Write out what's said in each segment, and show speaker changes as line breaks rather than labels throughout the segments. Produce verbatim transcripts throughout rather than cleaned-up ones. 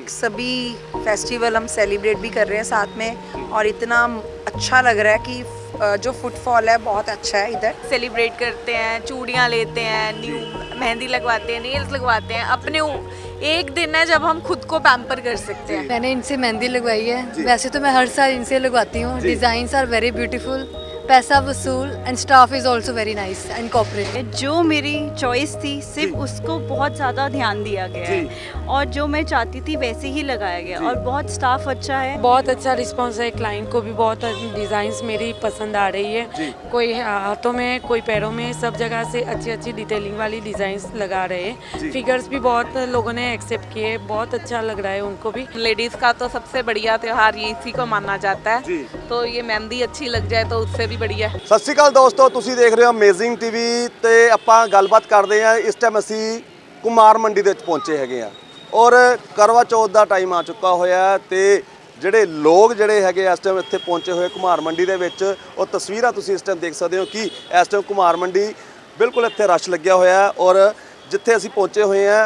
Like सभी festival हम celebrate भी कर रहे हैं साथ में और इतना अच्छा लग रहा है कि अ, जो फुटफॉल है बहुत अच्छा है इधर।
सेलिब्रेट करते हैं, चूड़ियाँ लेते हैं, न्यू मेहंदी लगवाते हैं, नेल्स लगवाते हैं। अपने उ- एक दिन है जब हम खुद को पैम्पर कर सकते हैं।
मैंने इनसे मेहंदी लगवाई है। वैसे तो मैं हर साल इनसे लगवाती हूँ। डिज़ाइंस आर वेरी ब्यूटीफुल, पैसा वसूल and staff is also very nice and cooperative.
जो मेरी चॉइस थी सिर्फ उसको बहुत ज़्यादा ध्यान दिया गया है और जो मैं चाहती थी वैसे ही लगाया गया और बहुत स्टाफ अच्छा है।
बहुत अच्छा रिस्पांस है, क्लाइंट को भी बहुत डिज़ाइंस मेरी पसंद आ रही है। कोई हाथों में, कोई पैरों में, सब जगह से अच्छी अच्छी डिटेलिंग वाली डिज़ाइंस लगा रहे हैं। फिगर्स भी बहुत लोगों ने एक्सेप्ट किए, बहुत अच्छा लग रहा है उनको भी।
लेडीज़ का तो सबसे बढ़िया त्यौहार ये इसी को माना जाता है, तो ये मेहंदी अच्छी लग जाए तो उससे भी बढ़िया है।
ਸਤਿ ਸ਼੍ਰੀ ਅਕਾਲ ਦੋਸਤੋ, ਤੁਸੀਂ ਦੇਖ ਰਹੇ ਹੋ ਅਮੇਜ਼ਿੰਗ ਟੀਵੀ ਤੇ ਆਪਾਂ ਗੱਲਬਾਤ ਕਰਦੇ ਹਾਂ। ਇਸ ਟਾਈਮ ਅਸੀਂ ਕੁਮਾਰ ਮੰਡੀ ਦੇ ਵਿੱਚ ਪਹੁੰਚੇ ਹੈਗੇ ਆ ਔਰ ਕਰਵਾ ਚੌਥ ਦਾ ਟਾਈਮ ਆ ਚੁੱਕਾ ਹੋਇਆ ਤੇ ਜਿਹੜੇ ਲੋਕ ਜਿਹੜੇ ਹੈਗੇ ਇਸ ਟਾਈਮ ਇੱਥੇ ਪਹੁੰਚੇ ਹੋਏ ਕੁਮਾਰ ਮੰਡੀ ਦੇ ਵਿੱਚ ਉਹ ਤਸਵੀਰਾਂ ਤੁਸੀਂ ਇਸ ਟਾਈਮ ਦੇਖ ਸਕਦੇ ਹੋ ਕਿ ਇਸ ਟਾਈਮ ਕੁਮਾਰ ਮੰਡੀ ਬਿਲਕੁਲ ਇੱਥੇ ਰਸ਼ ਲੱਗਿਆ ਹੋਇਆ ਔਰ ਜਿੱਥੇ ਅਸੀਂ ਪਹੁੰਚੇ ਹੋਏ ਆ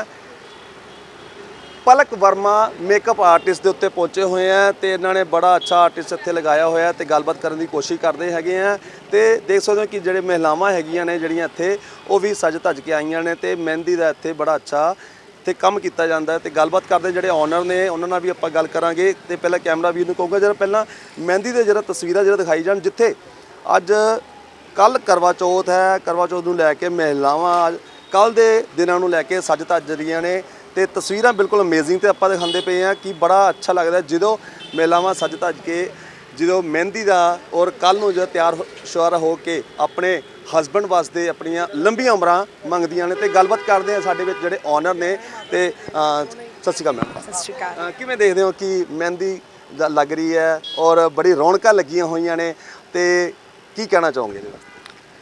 ਪਲਕ ਵਰਮਾ ਮੇਕਅਪ ਆਰਟਿਸਟ ਦੇ ਉੱਤੇ ਪਹੁੰਚੇ ਹੋਏ ਆ ਤੇ ਇਹਨਾਂ ਨੇ ਬੜਾ ਅੱਛਾ ਆਰਟਿਸਟ ਇੱਥੇ ਲਗਾਇਆ ਹੋਇਆ ਤੇ ਗੱਲਬਾਤ ਕਰਨ ਦੀ ਕੋਸ਼ਿਸ਼ ਕਰਦੇ ਹੈਗੇ ਆ ਤੇ ਦੇਖ ਸਕਦੇ ਹੋ ਕਿ ਜਿਹੜੇ ਮਹਿਲਾਵਾਂ ਹੈਗੀਆਂ ਨੇ ਜਿਹੜੀਆਂ ਇੱਥੇ ਉਹ ਵੀ ਸਜ ਧੱਜ ਕੇ ਆਈਆਂ ਨੇ ਤੇ ਮਹਿੰਦੀ ਦਾ ਇੱਥੇ ਬੜਾ ਅੱਛਾ ਤੇ ਕੰਮ ਕੀਤਾ ਜਾਂਦਾ ਤੇ ਗੱਲਬਾਤ ਕਰਦੇ ਜਿਹੜੇ ਓਨਰ ਨੇ ਉਹਨਾਂ ਨਾਲ ਵੀ ਆਪਾਂ ਗੱਲ ਕਰਾਂਗੇ ਤੇ ਪਹਿਲਾਂ ਕੈਮਰਾ ਵੀ ਨੂੰ ਕਹੂੰਗਾ ਜਰਾ ਪਹਿਲਾਂ ਮਹਿੰਦੀ ਦੇ ਜਿਹੜਾ ਤਸਵੀਰਾਂ ਜਿਹੜਾ ਦਿਖਾਈ ਜਾਣ ਜਿੱਥੇ ਅੱਜ ਕੱਲ ਕਰਵਾ ਚੌਥ ਹੈ। ਕਰਵਾ ਚੌਥ ਨੂੰ ਲੈ ਕੇ ਮਹਿਲਾਵਾਂ ਕੱਲ ਦੇ ਦਿਨਾਂ ਨੂੰ ਲੈ ਕੇ ਸਜ ਧੱਜ ਰਹੀਆਂ ਨੇ ਤੇ ਤਸਵੀਰਾਂ ਬਿਲਕੁਲ ਅਮੇਜ਼ਿੰਗ ਤੇ ਆਪਾਂ ਦਿਖਾਉਂਦੇ ਪਏ ਆ ਕਿ ਬੜਾ ਅੱਛਾ ਲੱਗਦਾ ਜਦੋਂ ਮਹਿਲਾਵਾਂ ਸਜ ਧੱਜ ਕੇ ਜਦੋਂ ਮਹਿੰਦੀ ਦਾ ਔਰ ਕੱਲ ਨੂੰ ਜਦੋਂ ਤਿਆਰ ਸ਼ੁਆਰਾ ਹੋ ਕੇ ਆਪਣੇ ਹਸਬੈਂਡ ਵਾਸਤੇ ਆਪਣੀਆਂ ਲੰਬੀਆਂ ਉਮਰਾਂ ਮੰਗਦੀਆਂ ਨੇ ਤੇ ਗੱਲਬਾਤ ਕਰਦੇ ਆ ਸਾਡੇ ਵਿੱਚ ਜਿਹੜੇ ਓਨਰ ਨੇ ਤੇ ਸਤਿ ਸ਼੍ਰੀ ਅਕਾਲ ਮੈਮ।
सत श्रीकाल।
ਕਿਵੇਂ ਦੇਖਦੇ ਹੋ ਕਿ ਮਹਿੰਦੀ ਦਾ ਲੱਗ ਰਹੀ ਹੈ ਔਰ ਬੜੀ ਰੌਣਕਾਂ ਲੱਗੀਆਂ ਹੋਈਆਂ ਨੇ ਤੇ ਕੀ ਕਹਿਣਾ ਚਾਹੋਗੇ ਇਹਦੇ ਬਾਰੇ?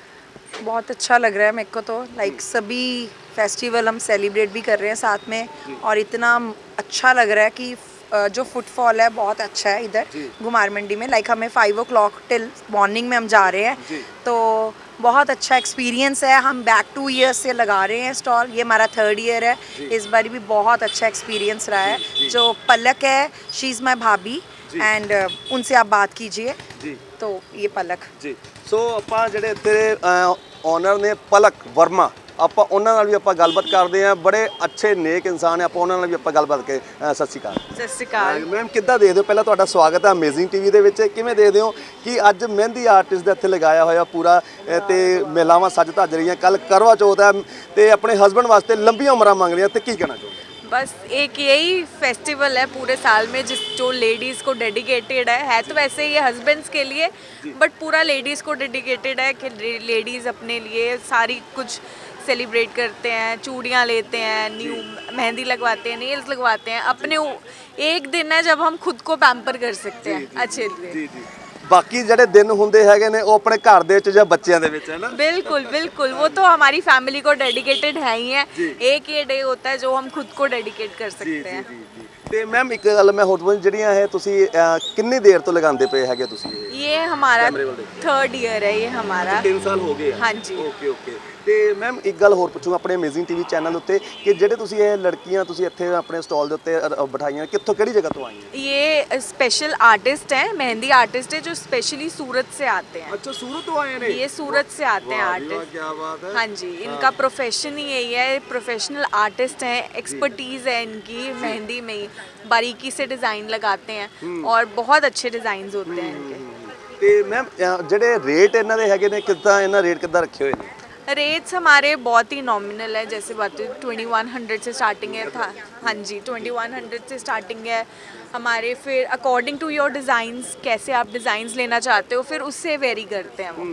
बहुत अच्छा लग रहा है मेरे को तो लाइक सभी फेस्टिवल हम सेलिब्रेट भी कर रहे हैं साथ में और इतना अच्छा लग रहा है कि अ, जो फुटफॉल है बहुत अच्छा है इधर घुमार मंडी में। लाइक हमें five o'clock till morning में हम जा रहे हैं तो बहुत अच्छा एक्सपीरियंस है। हम बैक टू ईयर्स से लगा रहे हैं स्टॉल, ये हमारा थर्ड ईयर है। इस बार भी बहुत अच्छा एक्सपीरियंस रहा है। जो पलक है शी इज़ माई भाभी एंड उनसे आप बात कीजिए। तो ये पलक
ਜੀ ਸੋ ਆਪਾਂ ਜਿਹੜੇ ਇੱਥੇ ਓਨਰ ਨੇ ਪਲਕ ਵਰਮਾ ਆਪਾਂ ਉਹਨਾਂ ਨਾਲ ਵੀ ਆਪਾਂ ਗੱਲਬਾਤ ਕਰਦੇ ਹਾਂ। ਬੜੇ ਅੱਛੇ ਨੇਕ ਇਨਸਾਨ ਹੈ, ਆਪਾਂ ਉਹਨਾਂ ਨਾਲ ਵੀ ਆਪਾਂ ਗੱਲਬਾਤ ਕੇ ਸਤਿ ਸ਼੍ਰੀ ਅਕਾਲ।
ਸਤਿ ਸ਼੍ਰੀ ਅਕਾਲ।
ਮੈਮ ਕਿੱਦਾਂ ਦੇਖਦੇ ਹੋ? ਪਹਿਲਾਂ ਤੁਹਾਡਾ ਸਵਾਗਤ ਹੈ ਅਮੇਜ਼ਿੰਗ ਟੀਵੀ ਦੇ ਵਿੱਚ। ਕਿਵੇਂ ਦੇਖਦੇ ਹੋ ਕਿ ਅੱਜ ਮਹਿੰਦੀ ਆਰਟਿਸਟ ਦਾ ਇੱਥੇ ਲਗਾਇਆ ਹੋਇਆ ਪੂਰਾ ਤੇ ਮਹਿਲਾਵਾਂ ਸੱਜ ਧੱਜ ਰਹੀਆਂ, ਕੱਲ ਕਰਵਾ ਚੌਥ ਹੈ ਤੇ ਆਪਣੇ ਹਸਬੈਂਡ ਵਾਸਤੇ ਲੰਬੀਆਂ ਉਮਰਾਂ ਮੰਗ ਰਹੀਆਂ ਤੇ ਕੀ ਕਹਿਣਾ ਚਾਹੋਗੇ?
बस एक यही फेस्टिवल है पूरे साल में जिस जो लेडीज़ को डेडिकेटेड है है तो वैसे ये हस्बैंड्स के लिए बट पूरा लेडीज़ को डेडिकेटेड है कि लेडीज़ अपने लिए सारी कुछ सेलिब्रेट करते हैं, चूड़ियाँ लेते हैं, न्यू मेहंदी लगवाते हैं, नेल्स लगवाते हैं। अपने उ- एक दिन है जब हम खुद को पैम्पर कर सकते हैं अच्छे से।
ਜੀ ਜੀ ਬਾਕੀ ਜਿਹੜੇ ਦਿਨ ਹੁੰਦੇ ਹੈਗੇ ਨੇ ਉਹ ਆਪਣੇ ਘਰ ਦੇ ਵਿੱਚ ਜਾਂ ਬੱਚਿਆਂ ਦੇ ਵਿੱਚ ਹੈ ਨਾ।
बिल्कुल बिल्कुल वो तो हमारी फैमिली को डेडिकेटेड है ही है। एक ये डे होता है जो हम खुद को डेडिकेट कर
ਜੀ
सकते हैं।
ਜੀ ਜੀ ਤੇ ਮੈਮ ਇੱਕ ਗੱਲ ਮੈਂ ਹੋਰ ਪੁੱਛ ਜਿਹੜੀਆਂ ਇਹ ਤੁਸੀਂ ਅਹ, ਕਿੰਨੀ ਦੇਰ ਤੋਂ ਲਗਾਉਂਦੇ ਪਏ ਹੈਗੇ ਤੁਸੀਂ ਇਹ?
ये हमारा
कैमरे वाले।
थर्ड ईयर है ये हमारा।
ਤਿੰਨ ਸਾਲ ਹੋ ਗਏ ਆ।
हाँ जी।
ਓਕੇ ਓਕੇ ਤੇ ਮੈਮ ਇੱਕ ਗੱਲ ਹੋਰ ਪੁੱਛੂਗਾ ਆਪਣੇ ਅਮੇਜ਼ਿੰਗ ਟੀਵੀ ਚੈਨਲ ਉੱਤੇ ਕਿ ਜਿਹੜੇ ਤੁਸੀਂ ਇਹ ਲੜਕੀਆਂ ਤੁਸੀਂ ਇੱਥੇ ਆਪਣੇ ਸਟਾਲ ਦੇ ਉੱਤੇ ਅ, ਬਿਠਾਈਆਂ ਕਿੱਥੋਂ ਕਿਹੜੀ ਜਗ੍ਹਾ ਤੋਂ ਆਈਆਂ?
ये स्पेशल आर्टिस्ट हैं, मेहंदी आर्टिस्ट है जो स्पेशली सूरत से आते हैं।
ਅੱਛਾ ਸੂਰਤ ਤੋਂ ਆਏ ਨੇ?
ये सूरत से आते हैं आर्टिस्ट।
ਕੀ ਬਾਤ ਹੈ।
हाँ जी, इनका प्रोफेशन ही यही है, प्रोफेशनल आर्टिस्ट हैं, एक्सपर्टीज़ है इनकी मेहंदी में ही, बारीकी से डिज़ाइन लगाते हैं और बहुत अच्छे डिज़ाइंस होते हैं इनके।
ਤੇ ਮੈਮ ਜਿਹੜੇ ਰੇਟ ਇਹਨਾਂ ਦੇ ਹੈਗੇ ਨੇ ਕਿੱਦਾਂ ਇਹਨਾਂ ਰੇਟ ਕਿੱਦਾਂ ਰੱਖੇ ਹੋਏ ਨੇ?
रेट्स हमारे बहुत ही नॉमिनल है, जैसे बात ट्वेंटी वन हंड्रेड से स्टार्टिंग है था। हाँ जी, ट्वेंटी वन हंड्रेड से स्टार्टिंग है हमारे। फिर अकॉर्डिंग टू योर डिज़ाइंस, कैसे आप डिज़ाइंस लेना चाहते हो फिर उससे वेरी करते हैं वो।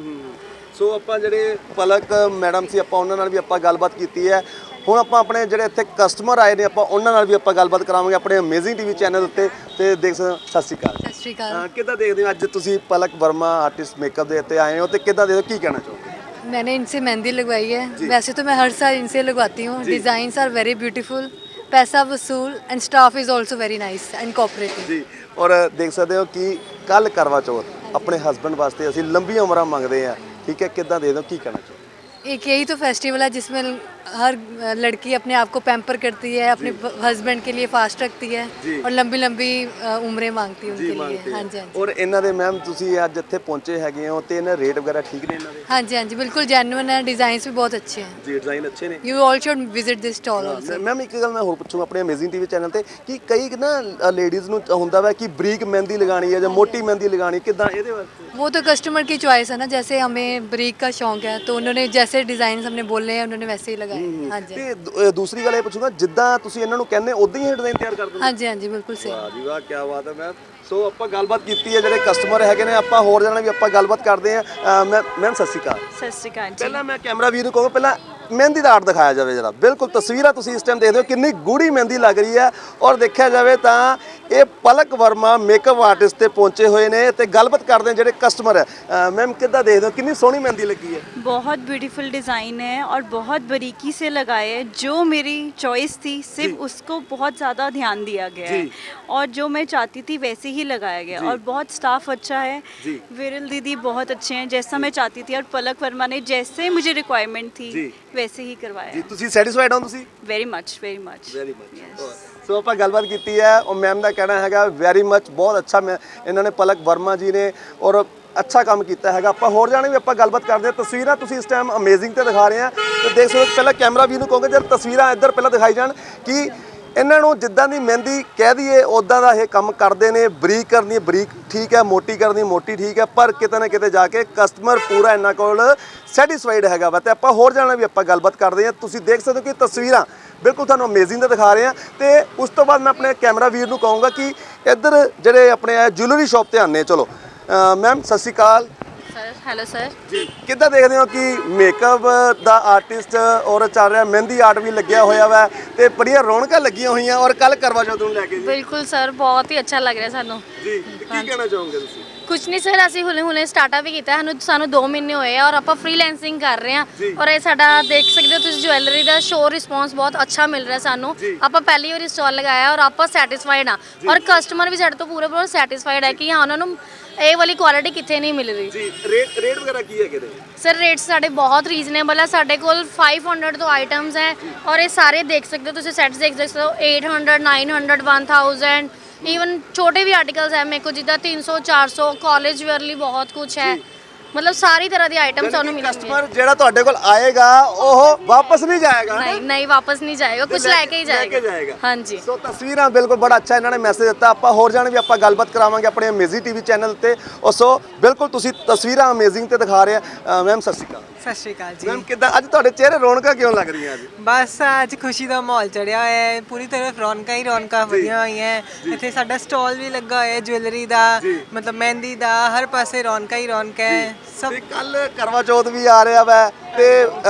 ਸੋ ਆਪਾਂ ਜਿਹੜੇ ਪਲਕ ਮੈਡਮ ਸੀ ਆਪਾਂ ਉਹਨਾਂ ਨਾਲ ਵੀ ਆਪਾਂ ਗੱਲਬਾਤ ਕੀਤੀ ਹੈ। ਹੁਣ ਆਪਾਂ ਆਪਣੇ ਜਿਹੜੇ ਇੱਥੇ ਕਸਟਮਰ ਆਏ ਨੇ ਆਪਾਂ ਉਹਨਾਂ ਨਾਲ ਵੀ ਆਪਾਂ ਗੱਲਬਾਤ ਕਰਾਵਾਂਗੇ ਆਪਣੇ ਅਮੇਜ਼ਿੰਗ ਟੀਵੀ ਚੈਨਲ ਉੱਤੇ ਤੇ ਦੇਖ ਸਕਦੇ ਹੋ। ਸਤਿ ਸ਼੍ਰੀ ਅਕਾਲ।
ਸਤਿ ਸ਼੍ਰੀ ਅਕਾਲ।
ਹਾਂ, ਕਿੱਦਾਂ ਦੇਖਦੇ ਹੋ ਅੱਜ ਤੁਸੀਂ ਪਲਕ ਵਰਮਾ ਆਰਟਿਸਟ ਮੇਕਅਪ ਦੇ ਉੱਤੇ ਆਏ ਹੋ ਤੇ ਕਿੱਦਾਂ ਦੇਖਦੇ ਹੋ, ਕੀ ਕਹਿਣਾ ਚਾਹੋਗੇ?
मैंने इनसे मेहंदी लगवाई है। वैसे तो मैं हर साल इनसे लगवाती हूँ। डिज़ाइंस आर वेरी ब्यूटीफुल, पैसा वसूल and staff is also very nice and cooperative.
ਜੀ ਔਰ ਦੇਖ ਸਕਦੇ ਹੋ ਕਿ ਕੱਲ ਕਰਵਾ ਚੌਥ ਆਪਣੇ ਹਸਬੈਂਡ ਵਾਸਤੇ ਅਸੀਂ ਲੰਬੀਆਂ ਉਮਰਾਂ ਮੰਗਦੇ ਆ, ਠੀਕ ਹੈ? ਕਿੱਦਾਂ ਦੇ ਦਿਓ, ਕੀ ਕਹਿਣਾ ਚਾਹੋਗੇ?
एक यही तो फेस्टिवल है जिसमें हर अ, लड़की अपने आप को पैम्पर करती है, अपने हस्बैंड के लिए फास्ट रखती है और लंबी लंबी अ, उम्रें मांगती है
ਜੀ
उनके
ਮੰਗਦੇ
लिए। हाँ जी हाँ जी
ਔਰ ਇਹਨਾਂ ਦੇ ਮੈਮ ਤੁਸੀਂ ਅੱਜ ਇੱਥੇ ਪਹੁੰਚੇ ਹੈਗੇ ਹੋ ਤੇ ਇਹਨਾਂ ਰੇਟ ਵਗੈਰਾ ਠੀਕ ਨੇ ਇਹਨਾਂ ਦੇ
हाँ जी हाँ जी बिल्कुल जेन्युइन है, डिज़ाइंस भी बहुत अच्छे हैं।
ਜੀ ਡਿਜ਼ਾਈਨ ਅੱਛੇ ਨੇ
you all should visit this stall also.
Ma'am ਇੱਕ ਗੱਲ ਮੈਂ ਹੋਰ ਪੁੱਛੂੰ ਆਪਣੇ ਅਮੇਜ਼ਿੰਗ ਟੀਵੀ ਚੈਨਲ ਤੇ ਕਿ ਕਈ ਨਾ ਲੇਡੀਜ਼ ਨੂੰ ਹੁੰਦਾ ਵਾ ਕਿ ਬਰੀਕ ਮਹਿੰਦੀ ਲਗਾਣੀ ਹੈ ਜਾਂ ਮੋਟੀ ਮਹਿੰਦੀ ਲਗਾਣੀ ਕਿਦਾਂ ਇਹਦੇ ਵਾਸਤੇ
वो तो कस्टमर की चॉइस है ना, जैसे हमें ब्रीक का शौक है तो उन्होंने जैसे डिज़ाइन हमने बोले हैं उन्होंने वैसे ही लगाए। हाँ जी
ਤੇ ਦੂ- ਅ, ਦੂਸਰੀ ਗੱਲ ਇਹ ਪੁੱਛੂੰਗਾ ਜਿੱਦਾਂ ਤੁਸੀਂ ਇਹਨਾਂ ਨੂੰ ਕਹਿੰਦੇ ਉਦਾਂ ਹੀ ਡਿਜ਼ਾਈਨ ਤਿਆਰ ਕਰ ਦਿੰਦੇ
हाँ जी हाँ जी बिल्कुल सही।
ਵਾਹ ਜੀ ਵਾਹ ਕੀ ਬਾਤ ਹੈ ਮੈਮ। ਸੋ ਆਪਾਂ ਗੱਲਬਾਤ ਕੀਤੀ ਹੈ ਜਿਹੜੇ ਕਸਟਮਰ ਹੈਗੇ ਨੇ ਆਪਾਂ ਹੋਰ ਜਾਣਾ ਵੀ ਆਪਾਂ ਗੱਲਬਾਤ ਕਰਦੇ ਹਾਂ ਮੈਮ ਮੈਮ ਸਤਿ ਸ਼੍ਰੀ ਅਕਾਲ।
सत श्रीकाल जी।
ਪਹਿਲਾਂ ਮੈਂ ਕੈਮਰਾ ਵੀਰ ਨੂੰ ਕਹੂੰਗਾ ਪਹਿਲਾਂ ਮਹਿੰਦੀ ਦਾ ਆਰਟ ਦਿਖਾਇਆ ਜਾਵੇ ਜਰਾ ਬਿਲਕੁਲ ਤਸਵੀਰਾਂ ਤੁਸੀਂ ਇਸ ਟਾਈਮ ਦੇਖਦੇ ਹੋ ਕਿੰਨੀ ਗੂੜੀ ਮਹਿੰਦੀ ਲੱਗ ਰਹੀ ਹੈ ਔਰ ਦੇਖਿਆ ਜਾਵੇ ਤਾਂ ਇਹ ਪਲਕ ਵਰਮਾ ਮੇਕਅਪ ਆਰਟਿਸਟ ਤੇ ਪਹੁੰਚੇ ਹੋਏ ਨੇ ਤੇ ਗੱਲਬਾਤ ਕਰਦੇ ਨੇ ਜਿਹੜੇ ਕਸਟਮਰ ਹੈ ਮੈਮ ਕਿੱਦਾਂ ਦੇਖਦੇ ਹੋ ਕਿੰਨੀ ਸੋਹਣੀ ਮਹਿੰਦੀ ਲੱਗੀ ਹੈ
बहुत ब्यूटीफुल डिज़ाइन है और बहुत बारीकी से लगाए है। जो मेरी चॉइस थी सिर्फ उसको बहुत ज़्यादा ध्यान दिया गया है और जो मैं चाहती थी वैसे ही लगाया गया और बहुत स्टाफ अच्छा है। विरल दीदी बहुत अच्छे हैं, जैसा मैं चाहती थी और पलक वर्मा ने जैसे मुझे रिक्वायरमेंट थी वैसे ही
ਜੀ
करवाया।
ਤੁਸੀਂ ਸੈਟੀਸਫਾਈਡ ਹੋ ਤੁਸੀਂ
very much very much
very much so ਆਪਾਂ ਗੱਲਬਾਤ ਕੀਤੀ ਹੈ ਉਹ ਮੈਮ ਦਾ ਕਹਿਣਾ ਹੈਗਾ ਵੈਰੀ ਮਚ ਬਹੁਤ ਅੱਛਾ ਮੈਂ ਇਹਨਾਂ ਨੇ ਪਲਕ ਵਰਮਾ ਜੀ ਨੇ ਔਰ ਅੱਛਾ ਕੰਮ ਕੀਤਾ ਹੈਗਾ ਆਪਾਂ ਹੋਰ ਜਾਣੇ ਵੀ ਆਪਾਂ ਗੱਲਬਾਤ ਕਰਦੇ ਹਾਂ ਤਸਵੀਰਾਂ ਤੁਸੀਂ ਇਸ ਟਾਈਮ ਅਮੇਜ਼ਿੰਗ ਤੇ ਦਿਖਾ ਰਹੇ ਆ ਤੇ ਦੇਖ ਸਕਦੇ ਹੋ ਪਹਿਲਾਂ ਕੈਮਰਾ ਵੀ ਨੂੰ ਕਹੋਗੇ ਜਦ ਤਸਵੀਰਾਂ ਇੱਧਰ ਪਹਿਲਾਂ ਦਿਖਾਈ ਜਾਣ ਕਿ ਇਹਨਾਂ ਨੂੰ ਜਿੱਦਾਂ ਦੀ ਮਹਿੰਦੀ ਕਹਿ ਦਈਏ ਉਦਾਂ ਦਾ ਇਹ ਕੰਮ ਕਰਦੇ ਨੇ ਬਰੀਕ ਕਰਨੀ ਬਰੀਕ ਠੀਕ ਹੈ ਮੋਟੀ ਕਰਨੀ ਮੋਟੀ ਠੀਕ ਹੈ ਪਰ ਕਿਤੇ ਨਾ ਕਿਤੇ ਜਾ ਕੇ ਕਸਟਮਰ ਪੂਰਾ ਇਹਨਾਂ ਕੋਲ ਸੈਟੀਸਫਾਈਡ ਹੈਗਾ ਵਾ ਤੇ ਆਪਾਂ ਹੋਰ ਜਾਣਾ ਵੀ ਆਪਾਂ ਗੱਲਬਾਤ ਕਰਦੇ ਹਾਂ ਤੁਸੀਂ ਦੇਖ ਸਕਦੇ ਹੋ ਕਿ ਤਸਵੀਰਾਂ ਬਿਲਕੁਲ ਤੁਹਾਨੂੰ ਅਮੇਜ਼ਿੰਗ ਤੇ ਦਿਖਾ ਰਹੇ ਹਾਂ ਤੇ ਉਸ ਤੋਂ ਬਾਅਦ ਮੈਂ ਆਪਣੇ ਕੈਮਰਾ ਵੀਰ ਨੂੰ ਕਹੂੰਗਾ ਕਿ ਇੱਧਰ ਜਿਹੜੇ ਆਪਣੇ ਜੁਐਲਰੀ ਸ਼ਾਪ ਤੇ ਆਨੇ ਚਲੋ ਮੈਮ ਸਤਿ ਸ਼੍ਰੀ ਅਕਾਲ
सर हेलो सर।
ਜੀ ਕਿੱਦਾਂ ਦੇਖਦੇ ਹੋ ਕਿ ਮੇਕਅਪ ਦਾ ਆਰਟਿਸਟ ਔਰ ਚੱਲ ਰਿਹਾ ਮਹਿੰਦੀ ਆਰਟ ਵੀ ਲੱਗਿਆ ਹੋਇਆ ਵਾ ਤੇ ਬੜੀਆਂ ਰੌਣਕਾਂ ਲੱਗੀਆਂ ਹੋਈਆਂ ਔਰ ਕੱਲ ਕਰਵਾ ਚੌਥ ਨੂੰ ਲੈ ਕੇ ਜੀ
ਬਿਲਕੁਲ ਸਰ ਬਹੁਤ ਹੀ ਅੱਛਾ ਲੱਗ ਰਿਹਾ ਸਾਨੂੰ।
ਜੀ ਤੇ ਕੀ ਕਹਿਣਾ ਚਾਹੋਗੇ ਤੁਸੀਂ
ਕੁਝ ਨਹੀਂ ਸਰ, ਅਸੀਂ ਹੁਣੇ ਹੁਣੇ ਸਟਾਰਟਅਪ ਵੀ ਕੀਤਾ, ਸਾਨੂੰ ਸਾਨੂੰ ਦੋ ਮਹੀਨੇ ਹੋਏ ਆ ਔਰ ਆਪਾਂ ਫ੍ਰੀਲੈਂਸਿੰਗ ਕਰ ਰਹੇ ਆ ਔਰ ਇਹ ਸਾਡਾ ਦੇਖ ਸਕਦੇ ਹੋ ਤੁਸੀਂ ਜੁਐਲਰੀ ਦਾ ਸ਼ੋਰ ਰਿਸਪੌਂਸ ਬਹੁਤ ਅੱਛਾ ਮਿਲ ਰਿਹਾ ਸਾਨੂੰ। ਆਪਾਂ ਪਹਿਲੀ ਵਾਰੀ ਸਟਾਲ ਲਗਾਇਆ ਔਰ ਆਪਾਂ ਸੈਟੀਸਫਾਈਡ ਆ ਔਰ ਕਸਟਮਰ ਵੀ ਸਾਡੇ ਤੋਂ ਪੂਰੇ ਪੂਰੇ ਸੈਟੀਸਫਾਈਡ ਹੈ ਕਿ ਹਾਂ ਉਹਨਾਂ ਨੂੰ ਇਹ ਵਾਲੀ ਕੁਆਲਿਟੀ ਕਿੱਥੇ ਨਹੀਂ ਮਿਲ ਰਹੀ।
ਜੀ ਰੇਟ ਰੇਟ ਵਗੈਰਾ ਕੀ ਹੈਗੇ ਨੇ
ਸਰ ਰੇਟਸ ਸਾਡੇ ਬਹੁਤ ਰੀਜ਼ਨੇਬਲ ਹੈ, ਸਾਡੇ ਕੋਲ five hundred ਤੋਂ ਆਈਟਮਸ ਹੈ ਔਰ ਇਹ ਸਾਰੇ ਦੇਖ ਸਕਦੇ ਹੋ ਤੁਸੀਂ ਸੈਟਸ ਦੇਖ ਸਕਦੇ ਹੋ eight hundred nine hundred one thousand even ਛੋਟੇ ਵੀ ਆਰਟੀਕਲਸ ਹੈ ਮੇਰੇ ਕੋਲ ਜਿੱਦਾਂ तीन सौ चार सौ ਕਾਲਜ ਵੇਅਰ ਲਈ ਬਹੁਤ ਕੁਝ ਹੈ। मतलब सारी तरह ਦੀ ਆਈਟਮ ਤੁਹਾਨੂੰ ਮਿਲਣਗੇ।
ਕਸਟਮਰ ਜਿਹੜਾ ਤੁਹਾਡੇ ਕੋਲ ਆਏਗਾ ਉਹ ਵਾਪਸ ਨਹੀਂ ਜਾਏਗਾ
ਨਹੀਂ ਨਹੀਂ ਵਾਪਸ ਨਹੀਂ ਜਾਏਗਾ, ਕੁਝ ਲੈ ਕੇ ਹੀ ਜਾਏਗਾ। ਹਾਂਜੀ
ਸੋ ਤਸਵੀਰਾਂ ਬਿਲਕੁਲ ਬੜਾ ਅੱਛਾ ਇਹਨਾਂ ਨੇ ਮੈਸੇਜ ਦਿੱਤਾ ਆਪਾਂ ਹੋਰ ਜਾਣੇ ਵੀ ਆਪਾਂ ਗੱਲਬਾਤ ਕਰਾਵਾਂਗੇ ਆਪਣੇ ਅਮੇਜ਼ਿੰਗ ਟੀਵੀ ਚੈਨਲ ਤੇ ਉਹ ਸੋ ਬਿਲਕੁਲ ਤੁਸੀਂ ਤਸਵੀਰਾਂ ਅਮੇਜ਼ਿੰਗ ਤੇ ਦਿਖਾ ਰਹੇ ਆ ਮੈਮ ਸਤਿ ਸ਼੍ਰੀ ਅਕਾਲ।
ਸਤਿ ਸ਼੍ਰੀ ਅਕਾਲ ਜੀ।
ਮੈਮ ਕਿੱਦਾਂ ਅੱਜ ਤੁਹਾਡੇ ਚਿਹਰੇ ਰੌਣਕਾਂ ਕਿਉਂ ਲੱਗ ਰਹੀਆਂ ਅੱਜ
ਬਸ ਅੱਜ ਖੁਸ਼ੀ ਦਾ ਮਾਹੌਲ ਚੜਿਆ ਹੋਇਆ ਹੈ, ਪੂਰੀ ਤਰ੍ਹਾਂ ਰੌਣਕਾਂ ਹੀ ਰੌਣਕਾਂ ਵਧੀਆਂ ਹੋਈਆਂ। ਇੱਥੇ ਸਾਡਾ ਸਟਾਲ ਵੀ ਲੱਗਾ ਹੋਇਆ ਹੈ ਜੁਐਲਰੀ ਦਾ, ਮਤਲਬ ਮਹਿੰਦੀ ਦਾ, ਹਰ ਪਾਸੇ ਰੌਣਕਾਂ ਹੀ ਰੌਣਕਾਂ ਹੈ ਸਭ।
ਤੇ ਕੱਲ ਕਰਵਾ ਚੌਥ ਵੀ ਆ ਰਿਹਾ ਵਾ ਤੇ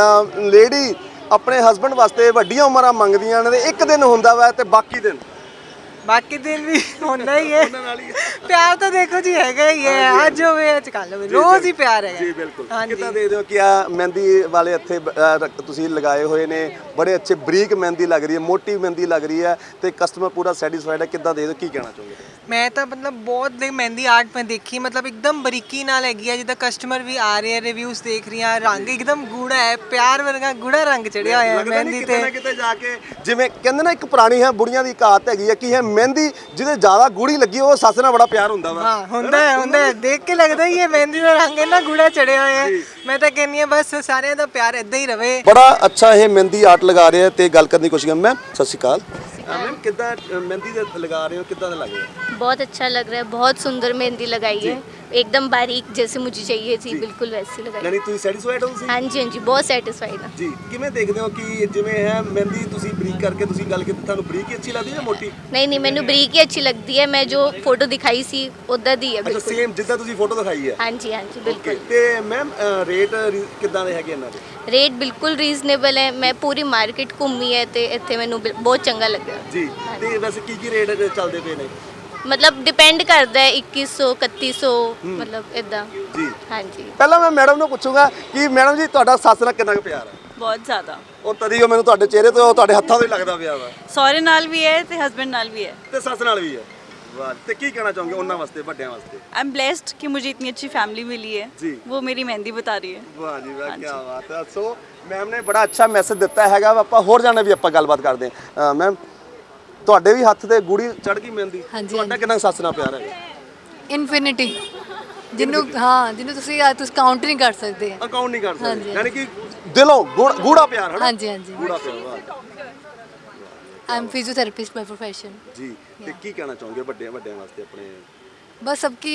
ਲੇਡੀ ਆਪਣੇ ਹਸਬੰਡ ਵਾਸਤੇ ਵੱਡੀਆਂ ਉਮਰਾਂ ਮੰਗਦੀਆਂ ਨੇ ਤੇ ਇੱਕ ਦਿਨ ਹੁੰਦਾ ਵਾ ਤੇ ਬਾਕੀ ਦਿਨ
ਬਾਕੀ ਦਿਨ ਵੀ ਹੁੰਦਾ ਹੀ ਹੈ। ਪਿਆਰ ਤਾਂ ਦੇਖੋ ਜੀ ਹੈਗਾ ਹੀ ਹੈ, ਅੱਜ ਹੋਵੇ ਅੱਜ ਕੱਲ ਹੋਵੇ, ਰੋਜ਼ ਹੀ ਪਿਆਰ ਹੈਗਾ
ਜੀ ਬਿਲਕੁਲ। ਕਿੱਦਾਂ ਦੇਖਦੇ ਹੋ ਕਿ ਆ ਮਹਿੰਦੀ ਵਾਲੇ ਇੱਥੇ ਅ, ਰ- ਤੁਸੀਂ ਲਗਾਏ ਹੋਏ ਨੇ ਬੜੇ ਅੱਛੇ ਬਰੀਕ ਮਹਿੰਦੀ ਲੱਗ ਰਹੀ ਹੈ ਮੋਟੀ ਮਹਿੰਦੀ ਲੱਗ ਰਹੀ ਹੈ ਤੇ ਕਸਟਮਰ ਪੂਰਾ ਸੈਟੀਸਫਾਈਡ ਹੈ ਕਿੱਦਾਂ ਦੇਖਦੇ ਹੋ ਕੀ ਕਹਿਣਾ ਚਾਹੋਗੇ
ਮੈਂ ਤਾਂ ਮਤਲਬ ਬਹੁਤ ਦੇ ਮਹਿੰਦੀ ਆਰਟ ਮੈਂ ਦੇਖੀ, ਮਤਲਬ ਇੱਕਦਮ ਬਰੀਕੀ ਨਾਲ ਹੈਗੀ ਹੈ, ਜਿੱਦਾਂ ਕਸਟਮਰ ਵੀ ਆ ਰਹੇ ਆ ਰਿਵਿਊਜ਼ ਦੇਖ ਰਹੀਆਂ, ਰੰਗ ਇੱਕਦਮ ਗੂੜਾ ਹੈ, ਪਿਆਰ ਵਰਗਾ ਗੂੜਾ ਰੰਗ ਚੜਿਆ ਹੋਇਆ ਹੈ
ਲੱਗਦਾ ਨਹੀਂ
ਮਹਿੰਦੀ
ਕਿਤੇ ਨਾ
ਤੇ।
ਕਿਤੇ ਜਾ ਕੇ ਜਿਵੇਂ ਕਹਿੰਦੇ ਨਾ ਇੱਕ ਪੁਰਾਣੀ ਹੈ ਬੁੜੀਆਂ ਦੀ ਕਹਾਵਤ ਹੈਗੀ ਹੈ ਕਿ ਇਹ ਮਹਿੰਦੀ ਜਿਹਦੇ ਜ਼ਿਆਦਾ ਗੂੜੀ ਲੱਗੀ ਉਹ ਸੱਸ ਨਾਲ ਬੜਾ ਪਿਆਰ ਹੁੰਦਾ ਵਾ
ਹਾਂ ਹੁੰਦਾ ਹੈ ਹੁੰਦਾ ਹੈ, ਦੇਖ ਕੇ ਲੱਗਦਾ ਹੀ ਹੈ ਮਹਿੰਦੀ ਦਾ ਰੰਗ ਇੰਨਾ ਗੂੜਾ ਚੜਿਆ ਹੋਇਆ ਹੈ। ਮੈਂ ਤਾਂ ਕਹਿੰਨੀ ਆ ਬਸ ਸਾਰਿਆਂ ਦਾ ਪਿਆਰ ਇਦਾਂ ਹੀ ਰਵੇ।
ਬੜਾ ਅੱਛਾ ਇਹ ਮਹਿੰਦੀ ਆਰਟ ਲਗਾ ਰਹੇ ਆ ਤੇ ਗੱਲ ਕਰਨ ਦੀ ਕੋਸ਼ਿਸ਼ ਕਰ ਮੈਮ ਸਤਿ ਸ਼੍ਰੀ ਅਕਾਲ मैम कितना मेहंदी दे लगा रहे हो कितना लग रहा है
बहुत अच्छा लग रहा है, बहुत सुंदर मेहंदी लगाई है, एकदम बारीक जैसे मुझे चाहिए थी बिल्कुल वैसी लगाई।
यानी ਤੁਸੀਂ ਸੈਟੀਸਫਾਈਡ ਹੋ ਤੁਸੀਂ
हाँ जी हाँ जी बहुत सेटिस्फाइड है।
ਜੀ ਕਿਵੇਂ ਦੇਖਦੇ ਹੋ ਕਿ ਜਿਵੇਂ ਹੈ ਮਹਿੰਦੀ ਤੁਸੀਂ ਬਰੀਕ ਕਰਕੇ ਤੁਸੀਂ ਗੱਲ ਕੀਤੀ ਤੁਹਾਨੂੰ ਬਰੀਕ ਹੀ ਅੱਛੀ ਲੱਗਦੀ ਹੈ ਜਾਂ ਮੋਟੀ
नहीं नहीं मैंने बरीक ही अच्छी लगती है, मैं जो फोटो दिखाई सी उदा दी है
ਅੱਛਾ
बिल्कुल।
ਸੇਮ ਜਿੱਦਾਂ ਤੁਸੀਂ ਫੋਟੋ ਦਿਖਾਈ ਹੈ
हाँ जी हाँ जी बिल्कुल।
ਤੇ ਮੈਮ ਰੇਟ ਕਿੱਦਾਂ ਦੇ ਹੈਗੇ ਇਹਨਾਂ ਦੇ
रेट बिल्कुल रीजनेबल है, मैं पूरी मार्केट घूमी है तो इतने मैंने बहुत चंगा लगा।
ਜੀ ਤੇ ਵੈਸੇ ਕੀ ਕੀ ਰੇਟ ਚੱਲਦੇ ਪਏ ਨੇ
मतलब डिपेंड करता है इक्कीस सौ इकतीस सौ मतलब इदा।
ਜੀ
हाँ जी
ਪਹਿਲਾਂ ਮੈਂ ਮੈਡਮ ਨੂੰ ਪੁੱਛੂੰਗਾ ਕਿ ਮੈਡਮ ਜੀ ਤੁਹਾਡਾ ਸੱਸ ਨਾਲ ਕਿੰਨਾ ਕੁ ਪਿਆਰ ਹੈ
ਬਹੁਤ ਜ਼ਿਆਦਾ।
ਔਰ ਤਦੀ ਉਹ ਮੈਨੂੰ ਤੁਹਾਡੇ ਚਿਹਰੇ ਤੋਂ ਤੁਹਾਡੇ ਹੱਥਾਂ ਤੋਂ ਹੀ ਲੱਗਦਾ ਪਿਆ ਵਾ
ਸਹੁਰੇ ਨਾਲ ਵੀ ਹੈ ਤੇ ਹਸਬੈਂਡ ਨਾਲ भी है।
ਤੇ ਸੱਸ ਨਾਲ ਵੀ ਹੈ ਵਾਹ ਤੇ ਕੀ ਕਹਿਣਾ ਚਾਹੋਗੇ ਉਹਨਾਂ ਵਾਸਤੇ ਵੱਡਿਆਂ ਵਾਸਤੇ
आई एम ब्लेस्ड कि मुझे इतनी अच्छी फैमिली मिली है।
जी।
वो मेरी मेहंदी बता रही है।
ਵਾਹ ਜੀ ਵਾਹ ਕੀ ਬਾਤ ਹੈ ਸੋ ਮੈਮ ਨੇ ਬੜਾ ਅੱਛਾ ਮੈਸੇਜ ਦਿੱਤਾ ਹੈਗਾ ਵਾ, ਆਪਾਂ ਹੋਰ ਜਾਣੇ ਵੀ ਆਪਾਂ ਗੱਲਬਾਤ ਕਰਦੇ ਹਾਂ। ਮੈਮ ਤੁਹਾਡੇ ਵੀ ਹੱਥ ਤੇ ਗੂੜੀ ਚੜ ਗਈ ਮਹਿੰਦੀ,
ਹਾਂਜੀ,
ਤੁਹਾਡਾ ਕਿੰਨਾ ਕੁ ਸੱਸ ਨਾਲ ਪਿਆਰ ਹੈਗਾ?
ਇਨਫਿਨਿਟੀ, ਜਿਹਨੂੰ ਹਾਂ ਜਿਹਨੂੰ ਤੁਸੀਂ ਆ ਤੁਸੀਂ ਕਾਊਂਟ ਨਹੀਂ ਕਰ ਸਕਦੇ।
ਅਕਾਊਂਟ ਨਹੀਂ ਕਰ ਸਕਦੇ,
ਹਾਂਜੀ।
ਯਾਨੀ ਕਿ ਦਿਲੋਂ ਗੂੜ- ਗੂੜਾ ਪਿਆਰ ਹੈ ਨਾ?
ਹਾਂਜੀ ਹਾਂਜੀ
ਗੂੜਾ ਪਿਆਰ, ਵਾਹ
I am physiotherapist by profession.
ਜੀ। ਤੇ ਕੀ ਕਹਿਣਾ ਚਾਹੋਗੇ ਵੱਡਿਆਂ ਵੱਡਿਆਂ ਵਾਸਤੇ ਆਪਣੇ?
बस सबकी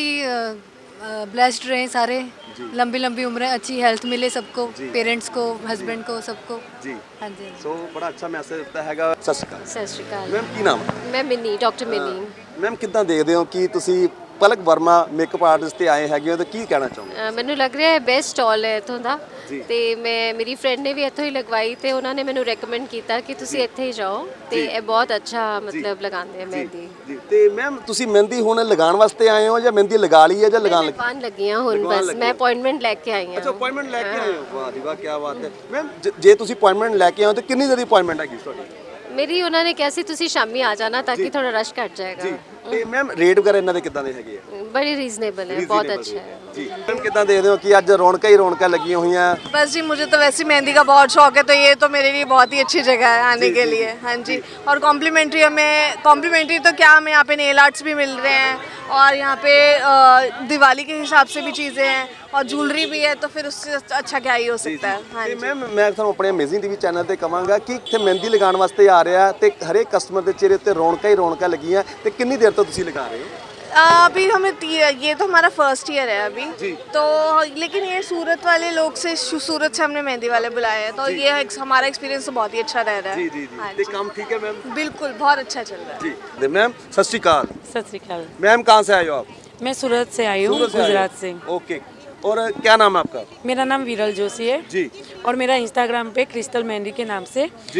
ब्लेस्ड रहे सारे, लंबी लंबी उम्रें, अच्छी हेल्थ मिले सबको, पेरेंट्स को, हस्बैंड को, सबको।
ਜੀ।
हाँ जी हाँ जी।
ਸੋ ਬੜਾ ਅੱਛਾ ਮੈਸੇਜ ਦਿੱਤਾ ਹੈਗਾ। ਸਤਿ ਸ਼੍ਰੀ ਅਕਾਲ
ਸਤਿ ਸ਼੍ਰੀ ਅਕਾਲ।
ਮੈਮ, ਕੀ ਨਾਮ ਹੈ?
ਮੈਂ ਮਿੰਨੀ, ਡਾਕਟਰ ਮਿੰਨੀ।
ਮੈਮ ਕਿੱਦਾਂ ਦੇਖਦੇ ਹੋ ਕਿ ਤੁਸੀਂ ਪਲਕ ਵਰਮਾ ਮੇਕਅਪ ਆਰਟਿਸਟ ਤੇ ਆਏ ਹੈਗੇ ਹੋ, ਤੇ ਕੀ ਕਹਿਣਾ ਚਾਹੋਗੇ?
ਅ, ਮੈਨੂੰ ਲੱਗ ਰਿਹਾ ਹੈ ਬੈਸਟ ਸਟਾਲ ਹੈ ਇੱਥੋਂ ਦਾ,
ਜੀ।
ਤੇ ਮੈਂ ਮੇਰੀ ਫਰੈਂਡ ਨੇ ਵੀ ਇੱਥੋਂ ਹੀ ਲਗਵਾਈ ਤੇ ਉਹਨਾਂ ਨੇ ਮੈਨੂੰ ਰეკਮੈਂਡ ਕੀਤਾ ਕਿ ਤੁਸੀਂ ਇੱਥੇ ਹੀ ਜਾਓ, ਤੇ ਇਹ ਬਹੁਤ ਅੱਛਾ ਮਤਲਬ ਲਗਾਉਂਦੇ ਆ ਮਹਿੰਦੀ।
ਜੀ। ਤੇ ਮੈਮ ਤੁਸੀਂ ਮਹਿੰਦੀ ਹੁਣ ਲਗਾਉਣ ਵਾਸਤੇ ਆਏ ਹੋ ਜਾਂ ਮਹਿੰਦੀ ਲਗਾ ਲਈ ਹੈ ਜਾਂ ਲਗਾਉਣ ਲੱਗੇ?
ਲਗਵਾਉਣ ਲੱਗੀਆਂ ਹੁਣ,
ਲਗਵਾਉਣ
ਬਸ
ਲੱਗੇ
ਮੈਂ
ਹੋ।
ਅਪਾਇੰਟਮੈਂਟ ਲੈ ਕੇ ਆਈ ਹਾਂ।
ਅੱਛਾ, ਅਪਾਇੰਟਮੈਂਟ ਲੈ ਕੇ ਆਏ ਹੋ, ਵਾਹ ਜੀ ਵਾਹ, ਕੀ ਬਾਤ ਹੈ। ਮੈਮ ਜੇ ਤੁਸੀਂ ਅਪਾਇੰਟਮੈਂਟ ਲੈ ਕੇ ਆਏ ਹੋ ਤਾਂ ਕਿੰਨੀ ਦੇਰ ਦੀ ਅਪਾਇੰਟਮੈਂਟ ਹੈਗੀ ਤੁਹਾਡੀ?
ਮੇਰੀ ਉਹਨਾਂ ਨੇ ਕਿਹਾ ਸੀ ਤੁਸੀਂ ਸ਼ਾਮੀ ਆ ਜਾਣਾ ਤਾਂ ਕਿ ਥੋੜਾ ਰਸ਼ ਘਟ ਜਾਏਗਾ।
ਜੀ। ਤੇ ਮੈਮ ਰੇਟ ਵਗੈਰਾ ਇਹਨਾਂ ਦੇ ਕਿੱਦਾਂ ਦੇ ਹੈਗੇ ਆ?
ਬੜੀ ਰੀਜ਼ਨੇਬਲ ਹੈ, ਬਹੁਤ ਅੱਛਾ ਹੈ।
ਜੀ। ਮੈਮ ਕਿੱਦਾਂ ਦੇਖਦੇ ਹੋ ਕਿ ਅੱਜ ਰੌਣਕਾਂ ਹੀ ਰੌਣਕਾਂ ਲੱਗੀਆਂ ਹੋਈਆਂ?
बस जी, मुझे तो वैसे मेहंदी का बहुत शौक है, तो ये तो मेरे लिए बहुत ही अच्छी जगह है आने के लिए। हाँ जी। और कॉम्प्लीमेंट्री हमें, कॉम्प्लीमेंट्री तो क्या, हमें यहाँ पे नेल आर्ट्स भी मिल रहे हैं, और यहाँ पे अ, दिवाली के हिसाब से भी चीज़ें हैं, और ज्वेलरी भी है, तो फिर उससे अच्छा क्या ही हो सकता है। हाँ
ਤੇ
जी।
ਮੈਮ ਮੈਂ ਤੁਹਾਨੂੰ ਆਪਣੇ ਅਮੇਜ਼ਿੰਗ ਟੀਵੀ ਚੈਨਲ ਤੇ ਕਵਾਂਗਾ ਕਿ ਇੱਥੇ ਮਹਿੰਦੀ ਲਗਾਉਣ ਵਾਸਤੇ ਆ ਰਿਹਾ ਤੇ ਹਰੇਕ ਕਸਟਮਰ ਦੇ ਚਿਹਰੇ ਉੱਤੇ ਰੌਣਕਾਂ ਹੀ ਰੌਣਕਾਂ ਲੱਗੀਆਂ, ਤੇ ਕਿੰਨੀ ਦੇਰ ਤੋਂ ਤੁਸੀਂ ਲਗਾ ਰਹੇ ਹੋ?
अ, अभी हमें ती- ये तो हमारा फर्स्ट ईयर है अभी
जी।
तो, लेकिन ये सूरत वाले लोग से, सूरत से हमने मेहंदी वाले बुलाए हैं, तो ये एक, हमारा एक्सपीरियंस तो बहुत ही अच्छा रह रहा है।
ਜੀ ਜੀ ਜੀ
हाँ
ਤੇ
जी।
ਕੰਮ ਠੀਕ ਹੈ ਮੈਮ?
बिल्कुल बहुत अच्छा चल रहा है।
जी। तो मैम सत श्री अकाल।
सत श्रीकाल।
मैम कहाँ से आए हो आप?
मैं सूरत से आई हूँ,
सूरत से आए हो?
गुजरात से।
ओके। और क्या नाम है आपका?
मेरा नाम विरल जोशी है
जी।
और मेरा इंस्टाग्राम पे क्रिस्टल मेहंदी के नाम से
जी।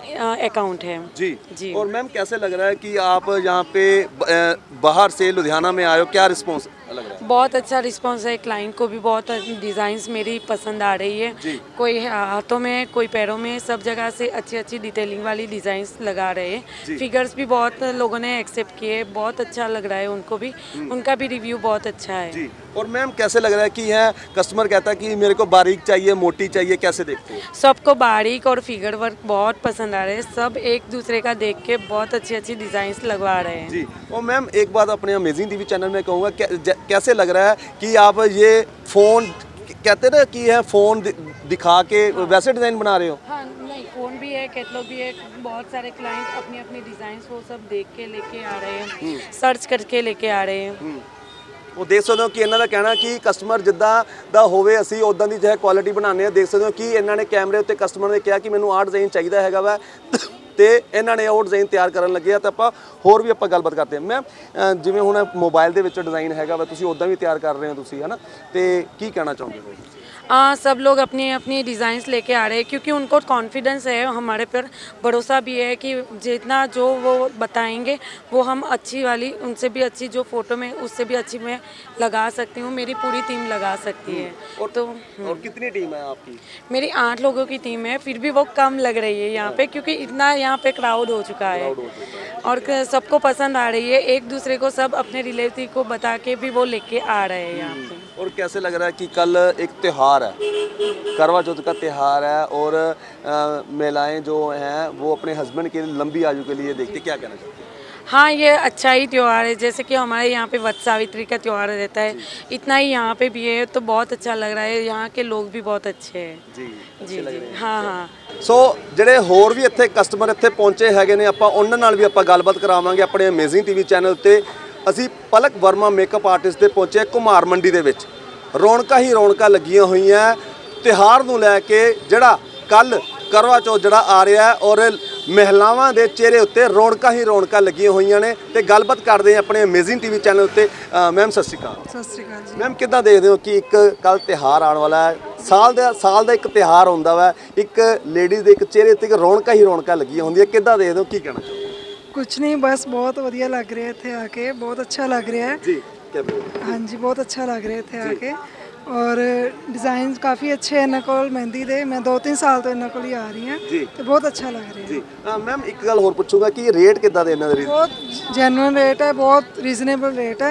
अकाउंट है।
जी
जी।
और मैम कैसे लग रहा है कि आप यहाँ पे ब- अ, बाहर से लुधियाना में आए हो, क्या रिस्पॉन्स लग रहा है?
बहुत अच्छा रिस्पांस है, क्लाइंट को भी बहुत डिज़ाइंस मेरी पसंद आ रही है।
जी।
कोई हाथों में, कोई पैरों में, सब जगह से अच्छी अच्छी डिटेलिंग वाली डिज़ाइंस लगा रहे
जी।
हैं। फिगर्स भी बहुत लोगों ने एक्सेप्ट किए, बहुत अच्छा लग रहा है उनको भी, उनका भी रिव्यू बहुत अच्छा है।
जी। और मैम कैसे लग रहा है कि यह कस्टमर कहता है कि मेरे को बारीक चाहिए, मोटी चाहिए, कैसे देखते हो?
सबको बारीक और फिगर वर्क बहुत पसंद आ रहे हैं, सब एक दूसरे का देख के बहुत अच्छी अच्छी डिज़ाइंस लगवा रहे हैं।
जी। और मैम एक बात अपने अमेजिंग टीवी चैनल में कहूँगा, कै, ज- कैसे लग रहा है कि आप ये फ़ोन कहते ना कि यह फ़ोन दि, दिखा के वैसे डिज़ाइन बना रहे हो?
हाँ, नहीं, फ़ोन भी है, कैटलॉग भी है, बहुत सारे क्लाइंट अपनी अपनी डिज़ाइंस वो सब देख के लेके आ रहे हैं, सर्च करके लेके आ रहे हैं।
ਉਹ ਦੇਖ ਸਕਦੇ ਹੋ ਕਿ ਇਹਨਾਂ ਦਾ ਕਹਿਣਾ ਕਿ ਕਸਟਮਰ ਜਿੱਦਾਂ ਦਾ ਹੋਵੇ ਅਸੀਂ ਉਦਾਂ ਦੀ ਜਿਹੜਾ ਕੁਆਲਿਟੀ ਬਣਾਉਂਦੇ ਆ। ਦੇਖ ਸਕਦੇ ਹੋ ਕਿ ਇਹਨਾਂ ਨੇ ਕੈਮਰੇ ਉੱਤੇ ਕਸਟਮਰ ਨੇ ਕਿਹਾ ਕਿ ਮੈਨੂੰ ਆਹ ਡਿਜ਼ਾਈਨ ਚਾਹੀਦਾ ਹੈਗਾ ਵਾ, ਤੇ ਇਹਨਾਂ ਨੇ ਉਹ ਡਿਜ਼ਾਈਨ ਤਿਆਰ ਕਰਨ ਲੱਗੇ ਆ। ਤਾਂ ਆਪਾਂ ਹੋਰ ਵੀ ਆਪਾਂ ਗੱਲਬਾਤ ਕਰਦੇ ਹਾਂ। ਮੈਮ ਜਿਵੇਂ ਹੁਣ ਮੋਬਾਈਲ ਦੇ ਵਿੱਚ ਡਿਜ਼ਾਈਨ ਹੈਗਾ ਵਾ, ਤੁਸੀਂ ਉਦਾਂ ਵੀ ਤਿਆਰ ਕਰ ਰਹੇ ਹੋ ਤੁਸੀਂ, ਹੈ ਨਾ? ਤੇ ਕੀ ਕਹਿਣਾ ਚਾਹੋਗੇ ਤੁਸੀਂ?
हाँ, सब लोग अपनी अपनी डिज़ाइंस लेके आ रहे हैं क्योंकि उनको कॉन्फिडेंस है, हमारे पर भरोसा भी है कि जितना जो वो बताएंगे वो हम अच्छी वाली, उनसे भी अच्छी जो फ़ोटो में उससे भी अच्छी मैं लगा सकती हूँ, मेरी पूरी टीम लगा सकती है।
और
तो
और कितनी टीम है आपकी?
मेरी आठ लोगों की टीम है, फिर भी वो कम लग रही है यहाँ पे क्योंकि इतना यहाँ पे क्राउड हो चुका है और क- सबको पसंद आ रही है। एक दूसरे को सब अपने रिलेटिव को बता के भी वो लेके आ रहे हैं यहाँ पे।
और कैसे लग रहा है कि कल एक त्यौहार है, करवा चौथ का त्यौहार है, और अ, महिलाएं जो हैं वो अपने हस्बैंड के लंबी आयु के लिए देखते, क्या कहना चाहते हैं?
हाँ, ये अच्छा ही त्यौहार है, जैसे कि हमारे यहाँ पे वट सावित्री का त्यौहार रहता है, इतना ही यहाँ पे भी है, तो बहुत अच्छा लग रहा है। यहाँ के लोग भी बहुत अच्छे हैं।
जी,
जी जी हाँ हाँ।
ਸੋ ਜਿਹੜੇ ਹੋਰ ਵੀ ਇੱਥੇ ਕਸਟਮਰ ਇੱਥੇ ਪਹੁੰਚੇ ਹੈਗੇ ਨੇ, ਆਪਾਂ ਉਹਨਾਂ ਨਾਲ ਵੀ ਆਪਾਂ ਗੱਲਬਾਤ ਕਰਾਵਾਂਗੇ ਆਪਣੇ ਅਮੇਜ਼ਿੰਗ ਟੀਵੀ ਚੈਨਲ ਤੇ। ਅਸੀਂ ਪਲਕ ਵਰਮਾ ਮੇਕਅਪ ਆਰਟਿਸਟ ਦੇ ਪਹੁੰਚੇ ਕੁਮਾਰ ਮੰਡੀ ਦੇ ਵਿੱਚ। ਰੌਣਕਾਂ ਹੀ ਰੌਣਕਾਂ ਲੱਗੀਆਂ ਹੋਈਆਂ ਤਿਉਹਾਰ ਨੂੰ ਲੈ ਕੇ, ਜਿਹੜਾ ਕੱਲ ਕਰਵਾ ਚੌਥ ਜਿਹੜਾ ਆ ਰਿਹਾ ਹੈ, ਔਰ ਮਹਿਲਾਵਾਂ ਦੇ ਚਿਹਰੇ ਉੱਤੇ ਰੌਣਕਾਂ ਹੀ ਰੌਣਕਾਂ ਲੱਗੀਆਂ ਹੋਈਆਂ ਨੇ। ਤੇ ਗੱਲਬਾਤ ਕਰਦੇ ਹਾਂ ਆਪਣੇ ਅਮੇਜ਼ਿੰਗ ਟੀਵੀ ਚੈਨਲ ਉੱਤੇ। ਮੈਮ ਸਤਿ ਸ਼੍ਰੀ ਅਕਾਲ।
ਸਤਿ ਸ਼੍ਰੀ ਅਕਾਲ ਜੀ।
ਮੈਮ ਕਿੱਦਾਂ ਦੇਖਦੇ ਹੋ ਕਿ ਇੱਕ ਕੱਲ ਤਿਉਹਾਰ ਆਉਣ ਵਾਲਾ ਹੈ, ਸਾਲ ਦਾ ਸਾਲ ਦਾ ਇੱਕ ਤਿਉਹਾਰ ਹੁੰਦਾ ਵਾ, ਇੱਕ ਲੇਡੀਜ਼ ਦੇ ਇੱਕ ਚਿਹਰੇ ਉੱਤੇ ਇੱਕ ਰੌਣਕਾਂ ਹੀ ਰੌਣਕਾਂ ਲੱਗੀਆਂ ਹੁੰਦੀਆਂ, ਕਿੱਦਾਂ ਦੇਖਦੇ ਹੋ, ਕੀ ਕਹਿਣਾ ਚਾਹੋਗੇ?
ਕੁਝ ਨਹੀਂ, ਬਸ ਬਹੁਤ ਵਧੀਆ ਲੱਗ ਰਿਹਾ ਇੱਥੇ ਆ ਕੇ, ਬਹੁਤ ਅੱਛਾ ਲੱਗ ਰਿਹਾ ਹੈ।
ਜੀ ਕਿਆ ਬੋਲਦੇ?
ਹਾਂਜੀ, ਬਹੁਤ ਅੱਛਾ ਲੱਗ ਰਿਹਾ ਇੱਥੇ ਆ ਕੇ, ਔਰ ਡਿਜ਼ਾਈਨਸ ਕਾਫੀ ਅੱਛੇ ਇਹਨਾਂ ਕੋਲ ਮਹਿੰਦੀ ਦੇ। ਮੈਂ ਦੋ ਤਿੰਨ ਸਾਲ ਤੋਂ ਇਹਨਾਂ ਕੋਲ ਹੀ ਆ ਰਹੀ ਹਾਂ,
ਜੀ।
ਤੇ ਬਹੁਤ ਅੱਛਾ ਲੱਗ ਰਿਹਾ
ਜੀ ਮੈਮ ਇੱਕ ਗੱਲ ਹੋਰ ਪੁੱਛੂੰਗਾ ਕਿ ਰੇਟ ਕਿੱਦਾਂ ਦੇ ਇਹਨਾਂ ਦੇ?
ਬਹੁਤ ਜੈਨੂਇਨ ਰੇਟ ਹੈ, ਬਹੁਤ ਰੀਜ਼ਨੇਬਲ ਰੇਟ ਹੈ,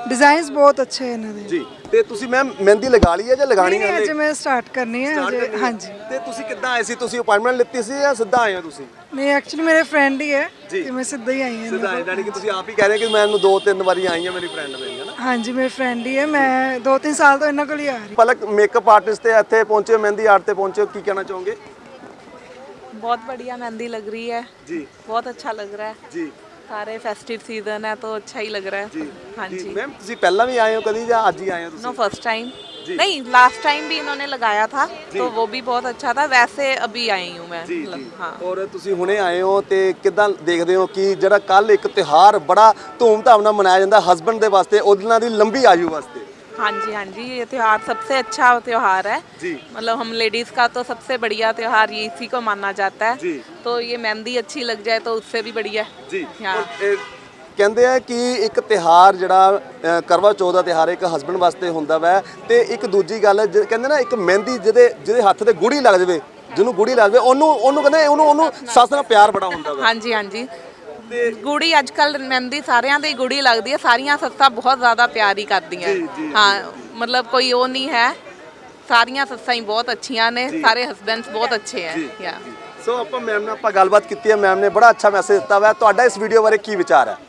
ਡਿਜ਼ਾਈਨਸ ਬਹੁਤ ਅੱਛੇ ਹੈ ਇਹਨਾਂ ਦੇ
ਜੀ ਤੇ ਤੁਸੀਂ ਮੈਮ ਮਹਿੰਦੀ ਲਗਾ ਲਈ ਹੈ ਜਾਂ ਲਗਾਣੀ
ਨਹੀਂ
ਹੈ
ਅਜੇ ਮੈਂ ਸਟਾਰਟ ਕਰਨੀ ਹੈ ਅਜੇ ਹਾਂਜੀ
ਤੇ ਤੁਸੀਂ ਕਿੱਦਾਂ ਆਏ ਸੀ ਤੁਸੀਂ ਅਪਾਇੰਟਮੈਂਟ ਲਿੱਤੀ ਸੀ ਜਾਂ ਸਿੱਧਾ ਆਏ ਹੋ ਤੁਸੀਂ
ਨਹੀਂ ਐਕਚੁਅਲੀ ਮੇਰੇ ਫਰੈਂਡ ਹੀ ਹੈ ਤੇ ਮੈਂ ਸਿੱਧਾ ਹੀ ਆਈ ਹਾਂ
ਸਿੱਧਾ ਆਏ ਯਾਨੀ ਕਿ ਤੁਸੀਂ ਆਪ ਹੀ ਕਹਿ ਰਹੇ ਕਿ ਮੈਨੂੰ ਦੋ ਤਿੰਨ ਵਾਰੀ ਆਈ ਹਾਂ ਮੇਰੀ ਫਰੈਂਡ ਮੇਰੀ ਹੈ ਨਾ
ਹਾਂਜੀ ਮੇਰੇ ਫਰੈਂਡ ਹੀ ਹੈ ਮੈਂ ਦੋ ਤਿੰਨ ਸਾਲ ਤੋਂ ਇਹਨਾਂ ਕੋਲ ਹੀ ਆ ਰਹੀ
ਪਲਕ ਮੇਕਅਪ ਆਰਟਿਸਟ ਤੇ ਇੱਥੇ ਪਹੁੰਚੇ ਹੋ, ਮਹਿੰਦੀ ਆਰਟ ਤੇ ਪਹੁੰਚੇ ਹੋ, ਕੀ ਕਹਿਣਾ ਚਾਹੋਗੇ?
बहुत बढ़िया मेहंदी लग रही है
जी
बहुत अच्छा लग रहा है
जी
सारे फेस्टिव सीजन है तो अच्छा ही लग रहा है
जी
हाँ
जी
जी
मैम ਤੁਸੀਂ ਪਹਿਲਾਂ ਵੀ ਆਏ ਹੋ ਕਦੀ ਜਾਂ ਅੱਜ ਹੀ ਆਏ ਹੋ
नो
ਤੁਸੀਂ?
फर्स्ट टाइम नहीं लास्ट टाइम भी इन्होंने लगाया था तो वो भी बहुत अच्छा था वैसे अभी आई हूँ मैं
ਜੀ
मतलब,
ਜੀ
हाँ
ਔਰ ਤੁਸੀਂ ਹੁਣੇ ਆਏ ਹੋ ਤੇ ਕਿਦਾਂ ਦੇਖਦੇ ਹੋ ਕਿ ਜਿਹੜਾ ਕੱਲ ਇੱਕ ਤਿਉਹਾਰ ਬੜਾ ਧੂਮਧਾਮ ਨਾਲ ਮਨਾਇਆ ਜਾਂਦਾ ਹਸਬੰਡ ਦੇ ਵਾਸਤੇ ਉਹਨਾਂ ਦੀ ਲੰਬੀ ਆਯੂ ਵਾਸਤੇ
हाँ जी हाँ जी ये त्योहार सबसे अच्छा त्योहार है
जी
मतलब हम लेडीज़ का तो सबसे बढ़िया त्योहार ये इसी को माना जाता है
जी
तो ये मेहंदी अच्छी लग जाए तो उससे भी बढ़िया
ਜੀ
हाँ
ਔਰ ਇਹ ਕਹਿੰਦੇ ਆ ਕਿ ਇੱਕ ਤਿਹਾਰ ਜਿਹੜਾ ਅ, ਕਰਵਾ ਚੌਥ ਦਾ ਤਿਹਾਰ ਇੱਕ ਹਸਬੰਡ ਵਾਸਤੇ ਹੁੰਦਾ ਵੈ ਤੇ ਇੱਕ ਦੂਜੀ ਗੱਲ ਜ- ਕਹਿੰਦੇ ਨਾ ਇੱਕ ਮਹਿੰਦੀ ਜਿਹਦੇ ਜਿਹਦੇ ਹੱਥ ਤੇ ਗੁੜੀ ਲੱਗ ਜਾਵੇ ਜਿਹਨੂੰ ਗੁੜੀ ਲੱਗ ਜਾਵੇ ਉਹਨੂੰ ਉਹਨੂੰ ਕਹਿੰਦੇ ਉਹਨੂੰ ਉਹਨੂੰ ਸੱਸ ਨਾਲ ਪਿਆਰ ਬੜਾ ਹੁੰਦਾ ਵੈ
हाँ जी हाँ जी ਗੁੜੀ ਅੱਜ ਕੱਲ ਮਹਿੰਦੀ ਸਾਰਿਆਂ ਦੇ ਗੁੜੀ ਲੱਗਦੀ ਹੈ ਸਾਰੀਆਂ ਸੱਸਾਂ ਬਹੁਤ ਜ਼ਿਆਦਾ ਪਿਆਰ ਹੀ ਕਰਦੀਆਂ ਹਾਂ ਮਤਲਬ ਕੋਈ ਉਹ ਨਹੀਂ ਹੈ ਸਾਰੀਆਂ ਸੱਸਾਂ ਹੀ ਬਹੁਤ ਅੱਛੀਆਂ ਨੇ ਸਾਰੇ ਹਸਬੈਂਡਸ ਬਹੁਤ ਅੱਛੇ ਹੈ ਯਾ
ਸੋ ਆਪਾਂ ਮੈਮ ਨਾਲ ਆਪਾਂ ਗੱਲਬਾਤ ਕੀਤੀ ਹੈ ਮੈਮ ਨੇ ਬੜਾ ਅੱਛਾ ਮੈਸੇਜ ਦਿੱਤਾ ਵਾ ਤੁਹਾਡਾ ਇਸ ਵੀਡੀਓ ਬਾਰੇ ਕੀ ਵਿਚਾਰ ਹੈ?